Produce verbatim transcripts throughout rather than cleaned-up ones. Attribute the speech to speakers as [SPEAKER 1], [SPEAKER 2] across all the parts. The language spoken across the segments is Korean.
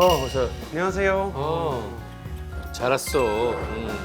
[SPEAKER 1] 어, 어서.
[SPEAKER 2] 안녕하세요.
[SPEAKER 1] 어, 잘 왔어. 음.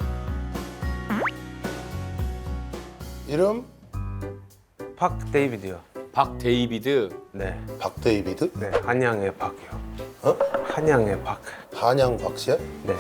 [SPEAKER 3] 이름
[SPEAKER 2] 박데이비드요.
[SPEAKER 1] 박데이비드.
[SPEAKER 2] 네,
[SPEAKER 3] 박데이비드?
[SPEAKER 2] 네, 한양의 박이요.
[SPEAKER 3] 어?
[SPEAKER 2] 한양의 박.
[SPEAKER 3] 한양 박씨야?
[SPEAKER 2] 네,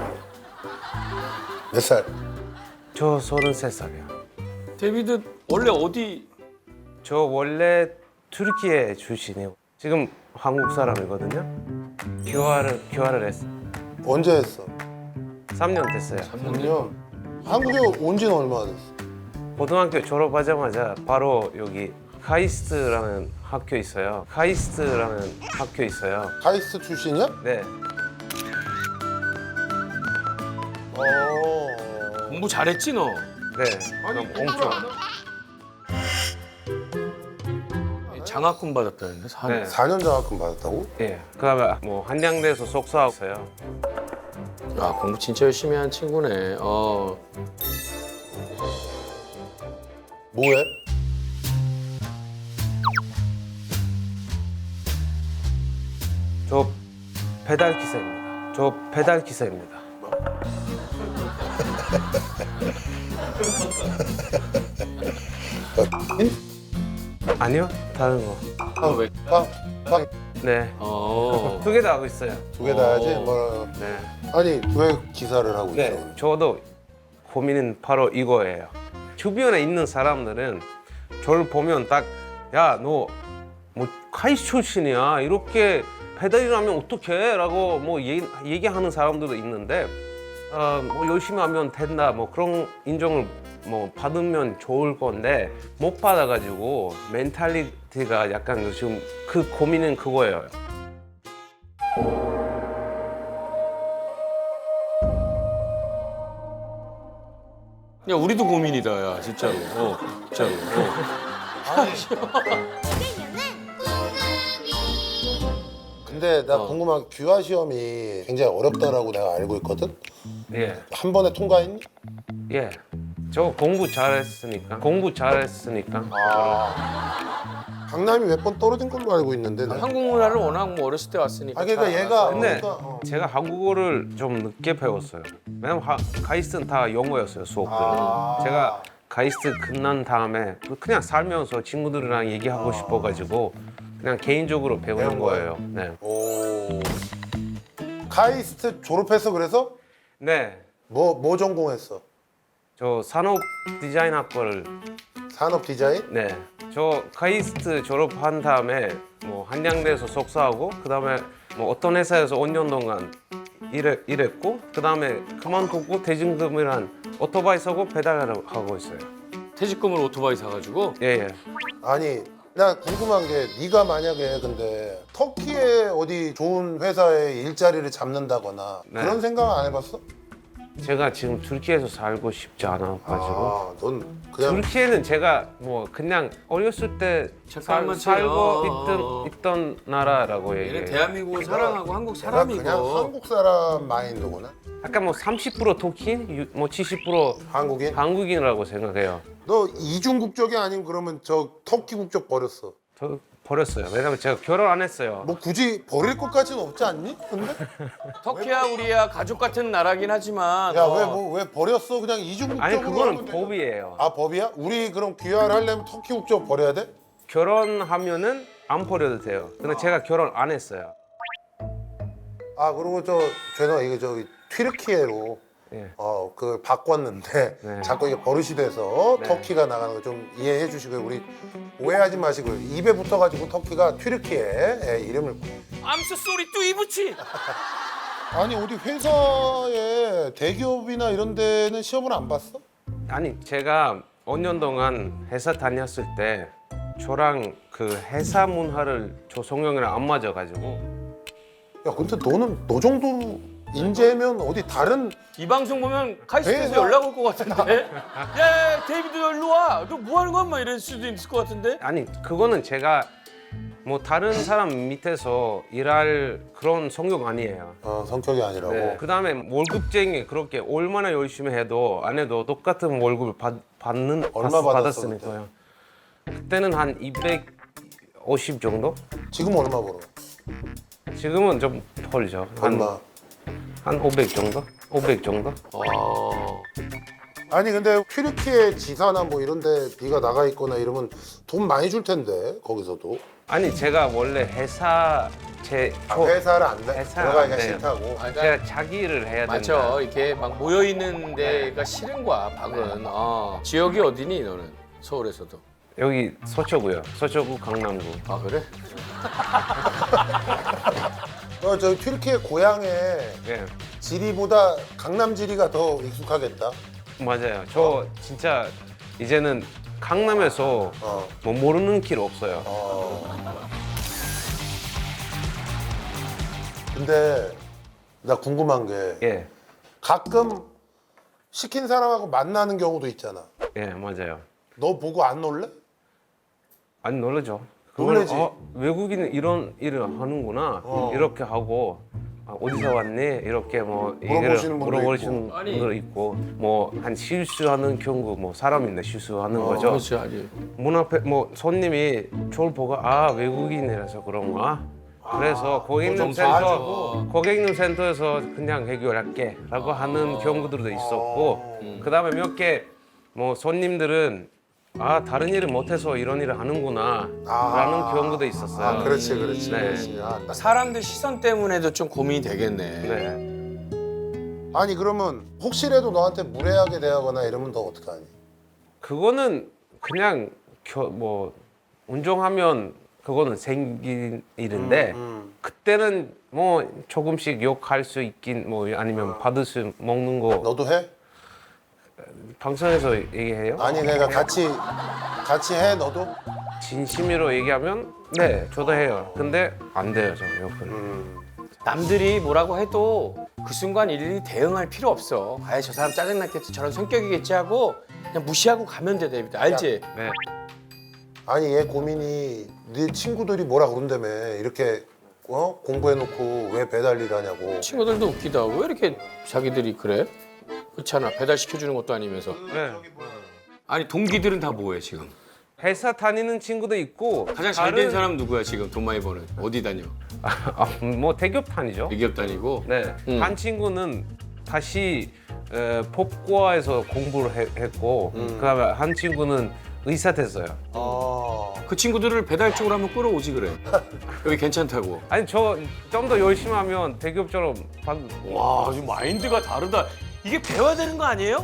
[SPEAKER 3] 몇 살?
[SPEAKER 2] 저 서른세 살이요.
[SPEAKER 1] 데이비드 원래 어디?
[SPEAKER 2] 저 원래 튀르키예 출신이에요. 지금 한국 사람이거든요. 교화를 교화를 했어.
[SPEAKER 3] 언제 했어?
[SPEAKER 2] 삼 년 됐어요.
[SPEAKER 3] 삼 년. 한국에 온 지는 얼마나 됐어?
[SPEAKER 2] 고등학교 졸업하자마자 바로 여기 카이스트라는 학교 있어요. 카이스트라는 학교 있어요.
[SPEAKER 3] 카이스트 출신이야?
[SPEAKER 2] 네,
[SPEAKER 3] 어.
[SPEAKER 1] 공부 잘했지 너?
[SPEAKER 2] 네. 그럼 엄청.
[SPEAKER 1] 장학금 받았다는데 사 년.
[SPEAKER 2] 네.
[SPEAKER 3] 사 년 장학금 받았다고?
[SPEAKER 2] 예. 그다음에 뭐 한양대에서 속사했어요.
[SPEAKER 1] 아 공부 진짜 열심히 한 친구네. 어.
[SPEAKER 3] 뭐해?
[SPEAKER 2] 저 배달 기사입니다. 저 배달 기사입니다. 아니요, 다른 거.
[SPEAKER 3] 아,
[SPEAKER 1] 왜?
[SPEAKER 3] 박, 박,
[SPEAKER 2] 네,
[SPEAKER 1] 어.
[SPEAKER 2] 두 개 다 하고 있어요.
[SPEAKER 3] 두 개 다 하지?
[SPEAKER 1] 어.
[SPEAKER 3] 뭐.
[SPEAKER 2] 네,
[SPEAKER 3] 아니, 왜 기사를 하고 있어?
[SPEAKER 2] 네, 저도 고민은 바로 이거예요. 주변에 있는 사람들은 저를 보면 딱, 야, 너 뭐 카이스 출신이야. 이렇게 배달이라면 어떡해? 라고 뭐 얘기, 얘기하는 사람들도 있는데, 어, 뭐 열심히 하면 된다. 뭐 그런 인정을 뭐 받으면 좋을 건데 못 받아가지고 멘탈리티가 약간 지금 그 고민은 그거예요.
[SPEAKER 1] 야 우리도 고민이다 야 진짜로. 어, 진짜로. 어.
[SPEAKER 3] 근데 나
[SPEAKER 1] 어.
[SPEAKER 3] 궁금한 게 규화 시험이 굉장히 어렵다라고 내가 알고 있거든?
[SPEAKER 2] 예,
[SPEAKER 3] 한 번에 통과했니?
[SPEAKER 2] 예. 저 공부 잘했으니까. 공부 잘했으니까.
[SPEAKER 3] 강남이 몇 번 떨어진 걸로 알고 있는데. 나.
[SPEAKER 1] 한국 문화를 워낙 뭐 어렸을 때 왔으니까.
[SPEAKER 3] 아, 그러니까
[SPEAKER 1] 잘
[SPEAKER 3] 얘가-
[SPEAKER 1] 알아서.
[SPEAKER 2] 근데
[SPEAKER 3] 그러니까, 어.
[SPEAKER 2] 제가 한국어를 좀 늦게 배웠어요. 왜냐면 하, 카이스트는 다 영어였어요, 수업들은.
[SPEAKER 3] 아.
[SPEAKER 2] 제가 카이스트 끝난 다음에 그냥 살면서 친구들이랑 얘기하고 싶어가지고 그냥 개인적으로 배우는
[SPEAKER 3] 배운 거예요?
[SPEAKER 2] 거예요. 네.
[SPEAKER 3] 오. 카이스트 졸업해서 그래서
[SPEAKER 2] 네.
[SPEAKER 3] 뭐, 뭐 전공했어?
[SPEAKER 2] 저 산업 디자인 학과를
[SPEAKER 3] 산업 디자인?
[SPEAKER 2] 네. 저 카이스트 졸업한 다음에 뭐 한양대에서 석사하고 그다음에 뭐 어떤 회사에서 오 년 동안 일해, 일했고 그다음에 그만두고 대중금이란 오토바이 사고 배달을 하고 있어요.
[SPEAKER 1] 퇴직금으로 오토바이 사가지고.
[SPEAKER 2] 예, 예.
[SPEAKER 3] 아니 나 궁금한 게 네가 만약에 근데 터키에 어디 좋은 회사에 일자리를 잡는다거나
[SPEAKER 2] 네.
[SPEAKER 3] 그런 생각 안 해봤어?
[SPEAKER 2] 제가 지금 튀르키예에서 살고 싶지 않아가지고
[SPEAKER 3] 아, 넌 그냥
[SPEAKER 2] 튀르키예는 제가 뭐 그냥 어렸을 때 살,
[SPEAKER 1] 잠깐만
[SPEAKER 2] 살고
[SPEAKER 1] 어.
[SPEAKER 2] 있던 있던 나라라고
[SPEAKER 1] 얘는
[SPEAKER 2] 얘기해요.
[SPEAKER 1] 대한민국을 사랑하고 한국
[SPEAKER 3] 내가
[SPEAKER 1] 사람이고.
[SPEAKER 3] 그냥 한국 사람 마인드구나.
[SPEAKER 2] 약간 뭐 삼십 퍼센트 터키, 유- 뭐 칠십 퍼센트
[SPEAKER 3] 한국인?
[SPEAKER 2] 한국인이라고 생각해요.
[SPEAKER 3] 너 이중 국적이 아닌 그러면 저 터키 국적 버렸어.
[SPEAKER 2] 저 버렸어요. 왜냐면 제가 결혼 안 했어요.
[SPEAKER 3] 뭐 굳이 버릴 것까지는 없지 않니? 근데
[SPEAKER 1] 터키야 우리야 가족 같은 나라긴 하지만.
[SPEAKER 3] 야
[SPEAKER 1] 어.
[SPEAKER 3] 왜 뭐 왜 버렸어? 그냥 이중 국적으로
[SPEAKER 2] 아니 그거는
[SPEAKER 3] 하면 되잖아.
[SPEAKER 2] 법이에요.
[SPEAKER 3] 아 법이야? 우리 그럼 귀화를 하려면 터키 국적 버려야 돼?
[SPEAKER 2] 결혼하면은 안 버려도 돼요. 근데 제가 결혼 안 했어요.
[SPEAKER 3] 아 그리고 저 죄송 이게 저기 튀르키예로
[SPEAKER 2] 예.
[SPEAKER 3] 어 그걸 바꿨는데
[SPEAKER 2] 네.
[SPEAKER 3] 자꾸 이게 버릇이 돼서
[SPEAKER 2] 네.
[SPEAKER 3] 터키가 나가는 거 좀 이해해 주시고요. 우리 오해하지 마시고요. 입에 붙어가지고 터키가 튀르키예 예, 이름을
[SPEAKER 1] 암스 소리 뚜이부치.
[SPEAKER 3] 아니 어디 회사에 대기업이나 이런 데는 시험을 안 봤어?
[SPEAKER 2] 아니 제가 오 년 동안 회사 다녔을 때 저랑 그 회사 문화를 저 성형이랑 안 맞아가지고
[SPEAKER 3] 야 근데 너는 너 정도 인재면 어디 다른
[SPEAKER 1] 이 방송 보면 카이스트에서
[SPEAKER 3] 회사-
[SPEAKER 1] 연락 올 것 같은데. 야, 야 데이비드 일로 와. 너 뭐 하는 거야? 막 이럴 수도 있을 것 같은데.
[SPEAKER 2] 아니 그거는 제가 뭐 다른 사람 밑에서 일할 그런 성격 아니에요.
[SPEAKER 3] 어, 성격이 아니라고.
[SPEAKER 2] 네. 그다음에 월급쟁이 그렇게 얼마나 열심히 해도 안 해도 똑같은 월급을 받, 받는
[SPEAKER 3] 얼마
[SPEAKER 2] 받,
[SPEAKER 3] 받았어,
[SPEAKER 2] 받았으니까요. 그때는 한 이백오십 정도?
[SPEAKER 3] 지금 얼마 벌어?
[SPEAKER 2] 지금은 좀 털죠.
[SPEAKER 3] 얼마?
[SPEAKER 2] 한 오백 정도? 오백 정도?
[SPEAKER 1] 어.
[SPEAKER 3] 아니 근데 튀르키예 지사나 뭐 이런데 네가 나가 있거나 이러면 돈 많이 줄 텐데 거기서도.
[SPEAKER 2] 아니 제가 원래 회사 제
[SPEAKER 3] 아,
[SPEAKER 2] 초-
[SPEAKER 3] 회사를 안 돼?
[SPEAKER 2] 회사
[SPEAKER 3] 들어가기가
[SPEAKER 2] 안 돼요.
[SPEAKER 3] 싫다고.
[SPEAKER 1] 아,
[SPEAKER 2] 제가 자기 일을 해야 된다.
[SPEAKER 1] 맞죠. 이렇게 막 모여 있는 데가 싫은 거야, 박은. 어. 지역이 어디니 너는? 서울에서도.
[SPEAKER 2] 여기 서초구요. 서초구 강남구.
[SPEAKER 1] 아 그래?
[SPEAKER 3] 어, 저 튀르키예 고향에
[SPEAKER 2] 예.
[SPEAKER 3] 지리보다 강남 지리가 더 익숙하겠다.
[SPEAKER 2] 맞아요. 저 진짜 이제는 강남에서
[SPEAKER 3] 어.
[SPEAKER 2] 뭐 모르는 길 없어요.
[SPEAKER 3] 어. 근데 나 궁금한 게
[SPEAKER 2] 예.
[SPEAKER 3] 가끔 시킨 사람하고 만나는 경우도 있잖아.
[SPEAKER 2] 예, 맞아요.
[SPEAKER 3] 너 보고 안 놀래?
[SPEAKER 2] 아니 놀라죠.
[SPEAKER 3] 놀라지.
[SPEAKER 2] 어, 외국인은 이런 일을 하는구나.
[SPEAKER 3] 어.
[SPEAKER 2] 이렇게 하고 아, 어디서 왔니? 이렇게 뭐
[SPEAKER 3] 물어보시는 분도
[SPEAKER 2] 물어보시는
[SPEAKER 1] 있고. 아니.
[SPEAKER 2] 분도 있고 뭐 한 실수하는 경우 뭐 사람인데 실수하는
[SPEAKER 3] 어,
[SPEAKER 2] 거죠.
[SPEAKER 1] 그렇지, 아니.
[SPEAKER 2] 문 앞에 뭐 손님이 저를 보고 아 외국인이라서 그런가? 그래서 고객님
[SPEAKER 3] 좀
[SPEAKER 2] 센터
[SPEAKER 3] 봐주고.
[SPEAKER 2] 고객님 센터에서 그냥 해결할게라고 하는 경우들도 있었고 그다음에 몇 개 뭐 손님들은 아 다른 일을 못해서 이런 일을 하는구나
[SPEAKER 3] 아.
[SPEAKER 2] 라는 경우도 있었어요.
[SPEAKER 3] 아, 그렇지, 그렇지,
[SPEAKER 2] 네.
[SPEAKER 3] 그렇지. 아, 나-
[SPEAKER 1] 사람들 시선 때문에도 좀 고민이 되겠네.
[SPEAKER 2] 네.
[SPEAKER 3] 아니 그러면 혹시라도 너한테 무례하게 대하거나 이러면 너 어떡하니?
[SPEAKER 2] 그거는 그냥 겨, 뭐 운종하면 그거는 생긴 일인데
[SPEAKER 3] 음.
[SPEAKER 2] 그때는 뭐 조금씩 욕할 수 있긴 뭐 아니면 받을 수 먹는 거
[SPEAKER 3] 너도 해?
[SPEAKER 2] 방송에서 얘기해요?
[SPEAKER 3] 아니 내가 같이 같이 해 너도?
[SPEAKER 2] 진심으로 얘기하면 네 저도 해요. 근데 안 돼요 저 욕을.
[SPEAKER 3] 음.
[SPEAKER 1] 남들이 뭐라고 해도 그 순간 일일이 대응할 필요 없어. 아예 저 사람 짜증났겠지, 저런 성격이겠지 하고 그냥 무시하고 가면 돼, 데이비드. 알지?
[SPEAKER 2] 네.
[SPEAKER 3] 아니 얘 고민이 네 친구들이 뭐라 그런다며 이렇게 어? 공부해놓고 왜 배달 일 하냐고.
[SPEAKER 1] 친구들도 웃기다. 왜 이렇게 자기들이 그래? 그렇잖아. 배달 시켜주는 것도 아니면서.
[SPEAKER 2] 네.
[SPEAKER 1] 아니 동기들은 다 뭐해 지금?
[SPEAKER 2] 회사 다니는 친구도 있고
[SPEAKER 1] 가장 잘 된 사람 누구야 지금 돈 많이 버는? 어디 다녀?
[SPEAKER 2] 아, 뭐 대기업 다니죠.
[SPEAKER 1] 대기업 다니고.
[SPEAKER 2] 네.
[SPEAKER 1] 음.
[SPEAKER 2] 한 친구는 다시 에, 법과에서 공부를 해- 했고 그다음에 한 친구는 의사 됐어요.
[SPEAKER 3] 아.
[SPEAKER 1] 그 친구들을 배달 쪽으로 한번 끌어오지 그래. 여기 괜찮다고.
[SPEAKER 2] 아니 저 좀 더 열심히 하면 대기업처럼 받...
[SPEAKER 1] 와, 지금 마인드가 다르다. 이게 배워야 되는 거 아니에요?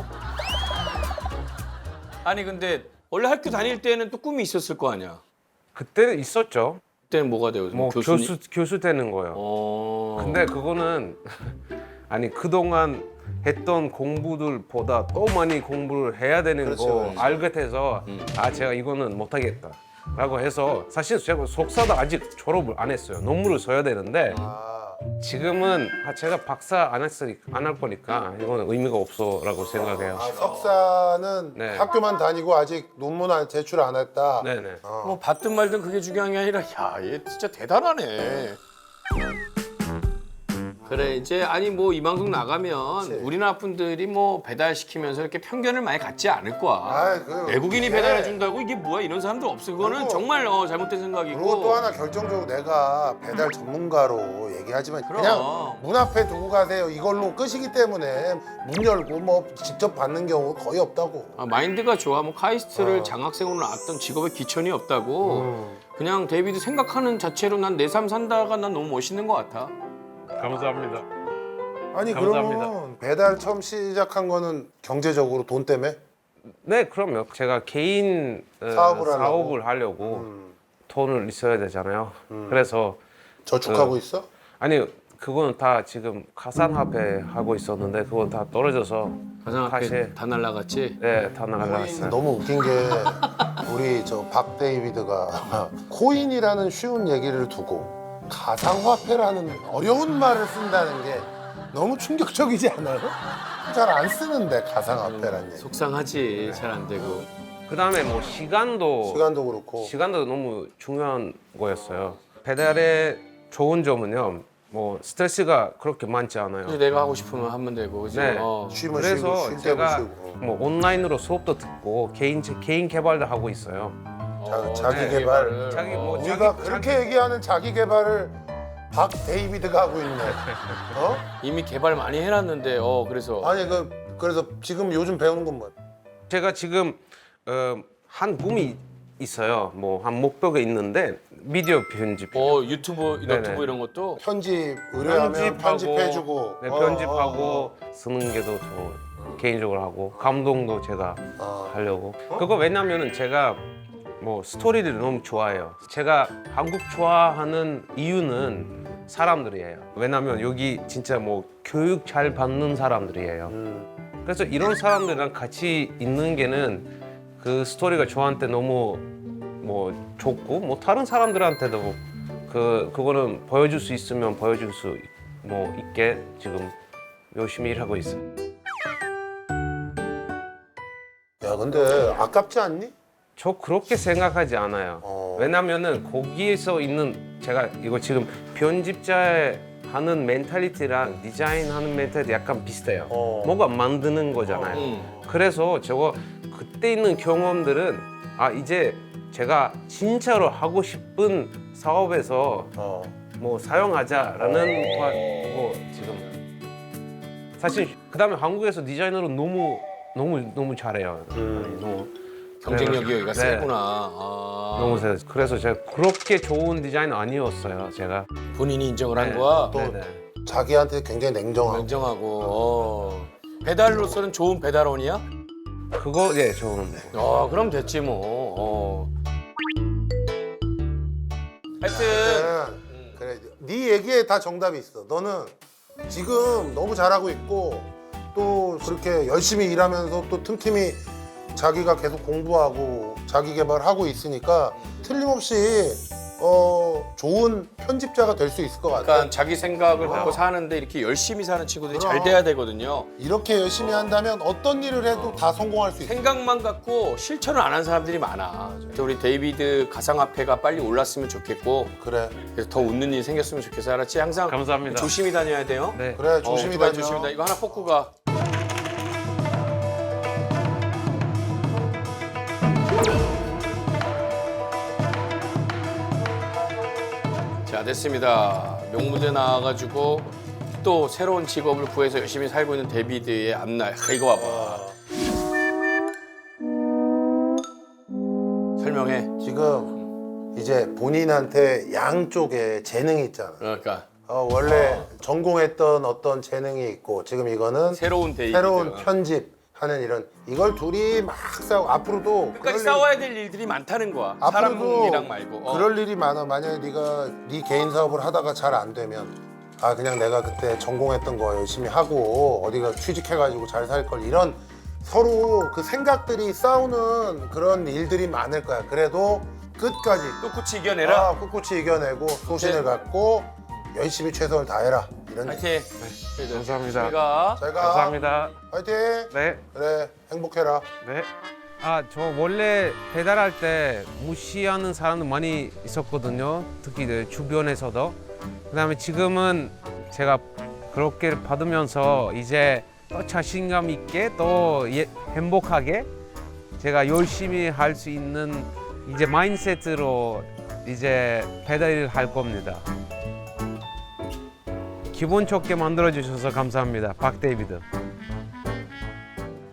[SPEAKER 1] 아니 근데 원래 학교 다닐 때는 또 꿈이 있었을 거 아니야.
[SPEAKER 2] 그때는 있었죠.
[SPEAKER 1] 그때는 뭐가 돼요?
[SPEAKER 2] 뭐
[SPEAKER 1] 교수님?
[SPEAKER 2] 교수 교수 되는 거요.
[SPEAKER 1] 어.
[SPEAKER 2] 근데 그거는 아니 그동안 했던 공부들보다 또 많이 공부를 해야 되는
[SPEAKER 3] 그렇지,
[SPEAKER 2] 거
[SPEAKER 3] 그렇지.
[SPEAKER 2] 알게 돼서
[SPEAKER 1] 음.
[SPEAKER 2] 아 제가 이거는 못하겠다라고 해서 사실 제가 석사도 아직 졸업을 안 했어요. 논문을 써야 되는데
[SPEAKER 3] 아.
[SPEAKER 2] 지금은 아, 제가 박사 안 했으니까 안 할 거니까 이거는 의미가 없어라고 생각해요.
[SPEAKER 3] 아, 석사는
[SPEAKER 2] 네.
[SPEAKER 3] 학교만 다니고 아직 논문 안- 제출 안 했다.
[SPEAKER 2] 네네.
[SPEAKER 3] 어.
[SPEAKER 1] 뭐 받든 말든 그게 중요한 게 아니라 야, 얘 진짜 대단하네. 그래 이제 아니 뭐 이 방송 나가면
[SPEAKER 3] 그치.
[SPEAKER 1] 우리나라 분들이 뭐 배달 시키면서 이렇게 편견을 많이 갖지 않을 거야.
[SPEAKER 3] 아이, 그,
[SPEAKER 1] 외국인이
[SPEAKER 3] 예.
[SPEAKER 1] 배달해 준다고 이게 뭐야 이런 사람들 없어. 그거는
[SPEAKER 3] 그리고-
[SPEAKER 1] 정말 어, 잘못된 생각이고.
[SPEAKER 3] 그리고 또 하나 결정적으로 내가 배달 전문가로 얘기하지만
[SPEAKER 1] 그럼.
[SPEAKER 3] 그냥 문 앞에 두고 가세요 이걸로 끝이기 때문에 문 열고 뭐 직접 받는 경우 거의 없다고.
[SPEAKER 1] 아, 마인드가 좋아. 뭐 카이스트를
[SPEAKER 3] 어.
[SPEAKER 1] 장학생으로 나왔던 직업에 기천이 없다고.
[SPEAKER 3] 음.
[SPEAKER 1] 그냥 데이비드 생각하는 자체로 난 내 삶 산다가 난 너무 멋있는 것 같아.
[SPEAKER 2] 감사합니다.
[SPEAKER 3] 아니
[SPEAKER 2] 감사합니다.
[SPEAKER 3] 그러면 배달 처음 시작한 거는 경제적으로 돈 때문에?
[SPEAKER 2] 네 그럼요. 제가 개인 어,
[SPEAKER 3] 사업을 하려고?
[SPEAKER 2] 사업을 하려고
[SPEAKER 3] 음.
[SPEAKER 2] 돈을 있어야 되잖아요. 그래서
[SPEAKER 3] 저축하고
[SPEAKER 2] 어.
[SPEAKER 3] 있어?
[SPEAKER 2] 아니 그거는 다 지금 가상화폐 하고 있었는데 그건 다 떨어져서
[SPEAKER 1] 가상화폐
[SPEAKER 2] 다시
[SPEAKER 1] 다 날라갔지.
[SPEAKER 2] 네 다 나가갔어요.
[SPEAKER 3] 너무 웃긴 게 우리 저 박 데이비드가 코인이라는 쉬운 얘기를 두고 가상화폐라는 어려운 말을 쓴다는 게 너무 충격적이지 않아요? 잘 안 쓰는데 가상화폐라는 얘기.
[SPEAKER 1] 속상하지. 잘 안 되고.
[SPEAKER 2] 그다음에 뭐 시간도
[SPEAKER 3] 시간도 그렇고.
[SPEAKER 2] 시간도 너무 중요한 거였어요. 배달의 좋은 점은요. 뭐 스트레스가 그렇게 많지 않아요.
[SPEAKER 1] 이제 내가 하고 싶으면 하면 되고. 그지?
[SPEAKER 2] 네.
[SPEAKER 1] 어.
[SPEAKER 3] 쉬면
[SPEAKER 2] 그래서
[SPEAKER 3] 쉬고 쉴 때도
[SPEAKER 2] 제가
[SPEAKER 3] 쉬고.
[SPEAKER 2] 뭐 온라인으로 수업도 듣고 개인 개인 개발도 하고 있어요.
[SPEAKER 3] 자,
[SPEAKER 1] 어,
[SPEAKER 3] 자기
[SPEAKER 1] 네,
[SPEAKER 3] 개발.
[SPEAKER 1] 개발을.
[SPEAKER 2] 자기 뭐
[SPEAKER 1] 어.
[SPEAKER 2] 자기-
[SPEAKER 3] 우리가 그렇게 얘기하는 자기 개발을 박 데이비드가 하고 있네. 어?
[SPEAKER 1] 이미 개발 많이 해놨는데 어 그래서
[SPEAKER 3] 아니 그 그래서 지금 요즘 배우는 건 뭐야?
[SPEAKER 2] 제가 지금 어, 한 꿈이 있어요. 뭐 한 목표가 있는데 미디어 편집.
[SPEAKER 1] 어 유튜브
[SPEAKER 2] 네네.
[SPEAKER 1] 너튜브 이런 것도
[SPEAKER 3] 편집 의뢰하면 편집해주고.
[SPEAKER 2] 네,
[SPEAKER 3] 어,
[SPEAKER 2] 편집하고
[SPEAKER 3] 어,
[SPEAKER 2] 쓰는 게도 저 개인적으로 하고 감동도 제가
[SPEAKER 3] 어.
[SPEAKER 2] 하려고. 그거 왜냐면은 제가 뭐 스토리를 너무 좋아해요. 제가 한국 좋아하는 이유는 사람들이에요. 왜냐면 여기 진짜 뭐 교육 잘 받는 사람들이에요.
[SPEAKER 3] 음.
[SPEAKER 2] 그래서 이런 사람들이랑 같이 있는 게는 그 스토리가 저한테 너무 뭐 좋고 뭐 다른 사람들한테도 그 그거는 보여줄 수 있으면 보여줄 수 뭐 있게 지금 열심히 일하고 있어요.
[SPEAKER 3] 야 근데 아깝지 않니?
[SPEAKER 2] 저 그렇게 생각하지 않아요.
[SPEAKER 3] 어.
[SPEAKER 2] 왜냐면은 거기에서 있는 제가 이거 지금 편집자의 하는 멘탈리티랑 디자인하는 멘탈리티 약간 비슷해요.
[SPEAKER 3] 어.
[SPEAKER 2] 뭔가 만드는 거잖아요.
[SPEAKER 1] 음.
[SPEAKER 2] 그래서 저거 그때 있는 경험들은 아 이제 제가 진짜로 하고 싶은 사업에서
[SPEAKER 3] 어.
[SPEAKER 2] 뭐 사용하자라는 거 뭐 지금 사실 그다음에 한국에서 디자이너로 너무 너무 너무 잘해요.
[SPEAKER 3] 음.
[SPEAKER 2] 너무
[SPEAKER 1] 경쟁력이 여기가
[SPEAKER 2] 네.
[SPEAKER 1] 세구나. 아,
[SPEAKER 2] 너무 세. 그래서 제가 그렇게 좋은 디자이너 아니었어요. 제가
[SPEAKER 1] 본인이 인정을 한
[SPEAKER 2] 네.
[SPEAKER 1] 거야.
[SPEAKER 3] 또
[SPEAKER 2] 네네.
[SPEAKER 3] 자기한테 굉장히 냉정하고.
[SPEAKER 1] 인정하고 어. 배달로서는 좋은 배달원이야?
[SPEAKER 2] 그거 예 좋은데.
[SPEAKER 1] 어 그럼 됐지 뭐. 어. 하여튼
[SPEAKER 3] 네. 그래 네 얘기에 다 정답이 있어. 너는 지금 너무 잘하고 있고 또 그렇게 열심히 일하면서 또 틈틈이 자기가 계속 공부하고 자기 개발하고 있으니까 틀림없이 어 좋은 편집자가 될 수 있을 것 같아.
[SPEAKER 1] 그러니까 자기 생각을 갖고 사는데 이렇게 열심히 사는 친구들이 잘
[SPEAKER 3] 그럼.
[SPEAKER 1] 돼야 되거든요.
[SPEAKER 3] 이렇게 열심히 한다면 어떤 일을 해도 다 성공할 수 있어.
[SPEAKER 1] 생각만 갖고 실천을 안 한 사람들이 많아. 우리 데이비드 가상화폐가 빨리 올랐으면 좋겠고
[SPEAKER 3] 그래
[SPEAKER 1] 그래서 더 웃는 일이 생겼으면 좋겠어. 알았지? 항상
[SPEAKER 2] 감사합니다.
[SPEAKER 1] 조심히 다녀야 돼요.
[SPEAKER 2] 네.
[SPEAKER 3] 그래 조심히
[SPEAKER 1] 오토바이
[SPEAKER 3] 다녀.
[SPEAKER 1] 조심히 다녀. 이거 하나 뽑고 가. 자 됐습니다. 명무대 나와가지고 또 새로운 직업을 구해서 열심히 살고 있는 데이비드의 앞날. 아, 이거 봐봐. 설명해.
[SPEAKER 3] 지금 이제 본인한테 양쪽에 재능이 있잖아.
[SPEAKER 1] 그러니까
[SPEAKER 3] 어, 원래 전공했던 어떤 재능이 있고 지금 이거는
[SPEAKER 1] 새로운 데이비드.
[SPEAKER 3] 새로운 편집하는 이런 이걸 둘이 막 싸우고 앞으로도
[SPEAKER 1] 끝까지
[SPEAKER 3] 그럴 일-
[SPEAKER 1] 싸워야 될 일들이 많다는 거야. 사람
[SPEAKER 3] 앞으로도
[SPEAKER 1] 일이랑 말고. 어.
[SPEAKER 3] 그럴 일이 많아. 만약에 네가 네 개인 사업을 하다가 잘 안 되면 아 그냥 내가 그때 전공했던 거 열심히 하고 어디가 취직해가지고 잘 살 걸 이런 서로 그 생각들이 싸우는 그런 일들이 많을 거야. 그래도 끝까지
[SPEAKER 1] 꿋꿋이 이겨내라.
[SPEAKER 3] 아, 꿋꿋이 이겨내고 소신을 갖고 열심히 최선을 다해라. 이런 얘기.
[SPEAKER 1] 파이팅.
[SPEAKER 2] 감사합니다.
[SPEAKER 1] 우리가
[SPEAKER 3] 잘 가.
[SPEAKER 2] 감사합니다.
[SPEAKER 3] 화이팅.
[SPEAKER 2] 네.
[SPEAKER 3] 그래 행복해라.
[SPEAKER 2] 네. 아, 저 원래 배달할 때 무시하는 사람도 많이 있었거든요. 특히 내 주변에서도. 그다음에 지금은 제가 그렇게 받으면서 이제 또 자신감 있게 또 예- 행복하게 제가 열심히 할 수 있는 이제 마인드셋으로 이제 배달을 할 겁니다. 기분 좋게 만들어 주셔서 감사합니다. 박 데이비드.